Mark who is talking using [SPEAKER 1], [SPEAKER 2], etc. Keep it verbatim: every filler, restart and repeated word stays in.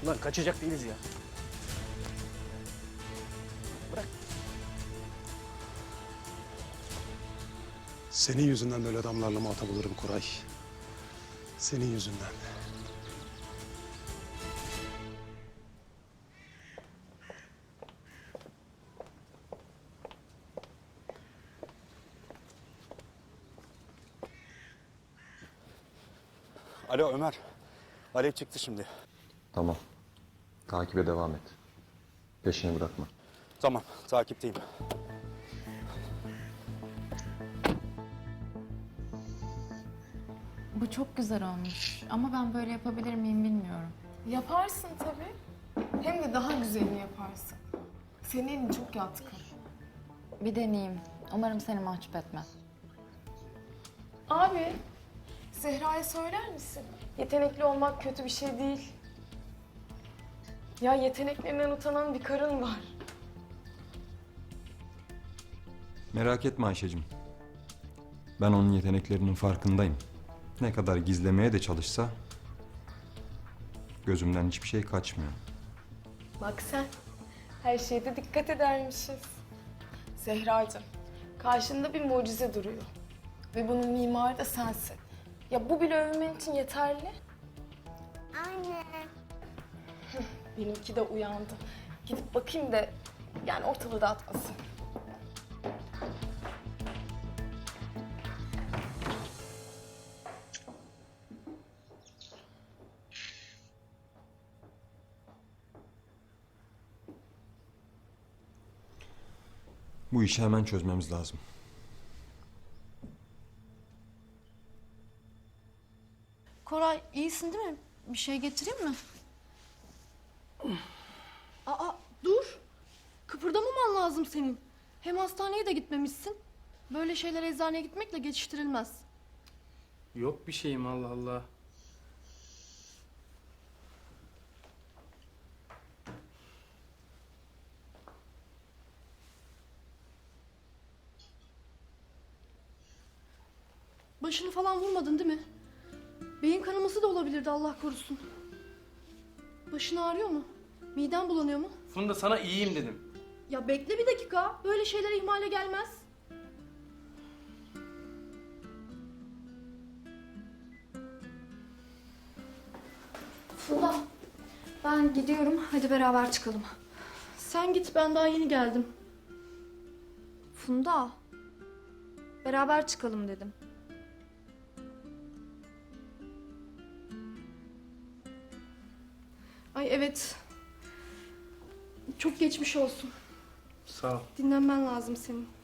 [SPEAKER 1] Lan kaçacak değiliz ya. Bırak.
[SPEAKER 2] Senin yüzünden böyle adamlarla muhatap olurum Koray. Senin yüzünden.
[SPEAKER 3] Alo Ömer. Alev çıktı şimdi.
[SPEAKER 4] Tamam. Takibe devam et. Peşini bırakma.
[SPEAKER 3] Tamam, takipteyim.
[SPEAKER 5] Bu çok güzel olmuş ama ben böyle yapabilir miyim bilmiyorum.
[SPEAKER 6] Yaparsın tabii. Hem de daha güzelini yaparsın. Senin elin çok yatkın.
[SPEAKER 5] Bir deneyeyim. Umarım seni mahcup etmez.
[SPEAKER 6] Abi, Zehra'ya söyler misin? Yetenekli olmak kötü bir şey değil. Ya yeteneklerinden utanan bir karın var.
[SPEAKER 4] Merak etme Ayşe'cim. Ben onun yeteneklerinin farkındayım. Ne kadar gizlemeye de çalışsa gözümden hiçbir şey kaçmıyor.
[SPEAKER 6] Bak sen, her şeyde dikkat edermişiz. Zehracığım, karşında bir mucize duruyor. Ve bunun mimarı da sensin. Ya bu bile övmen için yeterli.
[SPEAKER 7] Anne.
[SPEAKER 6] Benimki de uyandı. Gidip bakayım da yani ortalığı dağıtmasın.
[SPEAKER 4] Bu işi hemen çözmemiz lazım.
[SPEAKER 8] Koray iyisin değil mi? Bir şey getireyim mi? Aa dur. Kıpırdamaman lazım senin. Hem hastaneye de gitmemişsin. Böyle şeyler eczaneye gitmekle geçiştirilmez.
[SPEAKER 1] Yok bir şeyim Allah Allah.
[SPEAKER 8] Başını falan vurmadın değil mi? Beyin kanaması da olabilirdi Allah korusun. Başın ağrıyor mu? Miden bulanıyor mu?
[SPEAKER 1] Funda sana iyiyim dedim.
[SPEAKER 8] Ya bekle bir dakika. Böyle şeyler ihmale gelmez.
[SPEAKER 9] Funda, ben gidiyorum. Hadi beraber çıkalım.
[SPEAKER 8] Sen git, ben daha yeni geldim.
[SPEAKER 9] Funda, beraber çıkalım dedim.
[SPEAKER 8] Ay evet. Çok geçmiş olsun.
[SPEAKER 1] Sağ ol.
[SPEAKER 8] Dinlenmen lazım senin.